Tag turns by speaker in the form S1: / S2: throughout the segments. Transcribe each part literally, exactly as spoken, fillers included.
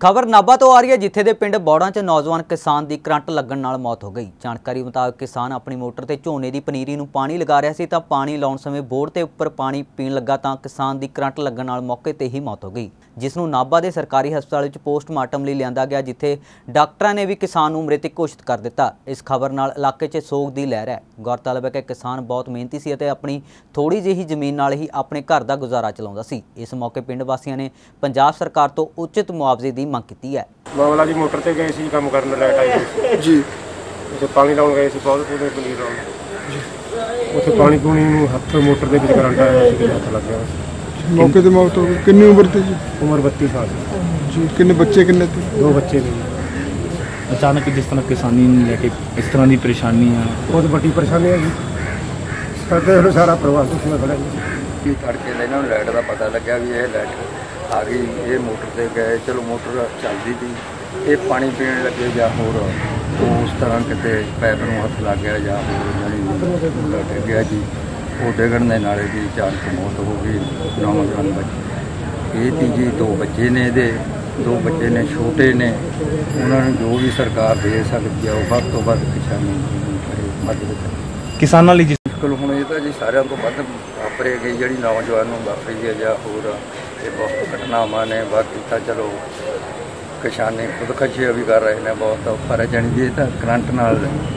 S1: खबर नाभा तो आ रही है, जिथे दे पिंड बौड़ा च नौजवान किसान की करंट लगन नाल मौत हो गई। जानकारी मुताबिक किसान अपनी मोटर ते झोने की पनीरी नूं पानी लगा रहा सी तां पानी लाउण समय बोर ते उपर पानी पीण लगा तां किसान की करंट लगन नाल मौके ते ही मौत हो गई, जिस नूं नाभा दे सरकारी हस्पताल विच पोस्टमार्टम लई लिआंदा गया, जिथे डॉक्टरां ने भी किसान नूं मृतक घोषित कर दिता। इस खबर नाल इलाके च सोग की लहर है। गौरतलब है कि किसान बहुत मेहनती सी अते अपनी थोड़ी ਜਿਹੀ ਜ਼ਮੀਨ ਨਾਲ ही अपने घर का गुजारा चलाउंदा सी। इस मौके पिंड वासियों ने पंजाब सरकार तो उचित मुआवजे की मंग की है।
S2: मामला जी मोटर से गए सी काम करने लाइट आई जी, उसे पानी लाउण गए सी बहुत पूरे पनीर लाउण जी, उसे पानी पूनी नूं हत्थ मोटर दे विच करंट आया सी, हत्थ लग गया।
S3: मौके ते मौत हो गई। कितनी उम्र थी जी?
S2: उम्र बत्तीस साल
S3: जी। कितने बच्चे कितने थे?
S2: दो बच्चे थे।
S4: अचानक जिस तरह किसानी लेके इस तरह की परेशानी है,
S2: बहुत बड़ी परेशानी है जी, साडे सारा परिवार उसमें खड़ा जी।
S5: तड़के ने इन्होंने लाइट का पता लग्या भी ये लाइट आ गई, ये मोटर से गए, चलो मोटर चलती थी, ये पानी पीने लगे या होर तो उस तरह कितने पैप में हथ लग गया या होर जानी डिग गया जी। वो डिगण के नाले की अचानक मौत हो गई। नौजवान बच्चे ये थी जी, दो बच्चे ने दे दो बच्चे ने छोटे ने, उन्होंने जो भी सरकार दे सकती है वो वध तो वध किसानी मदद करे।
S4: किसानों लिए
S5: मुश्किल हुण ये तो जी सारिਆਂ ਤੋਂ ਵੱਧ वापरे गई जी नौजवान ਨੂੰ वापरी है या होर ये बहुत घटनावां ने। बाकी तो चलो किसानी खुदकशी भी कर रहे हैं बहुत औखा है जानी जी, तो करंट नाल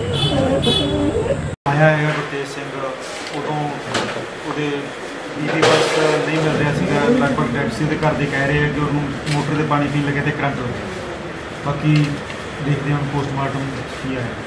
S6: आया है गुरतेज सिंह उदों ਉਹਦੇ बिजली बस नहीं मिल रहा ਸੀਗਾ, लगभग ਡੈਡ ਸੀ ਦੇ ਘਰ ਦੇ ਕਹਿ ਰਹੇ ਆ ਕਿ ਉਹਨੂੰ ਮੋਟਰ ਦੇ ਪਾਣੀ ਪੀਣ ਲੱਗੇ ਤੇ ਕਰੰਟ ਹੋ ਗਿਆ। ਬਾਕੀ ਦੇਖਦੇ ਹਾਂ ਪੋਸਟਮਾਰਟਮ ਕੀ ਆਇਆ।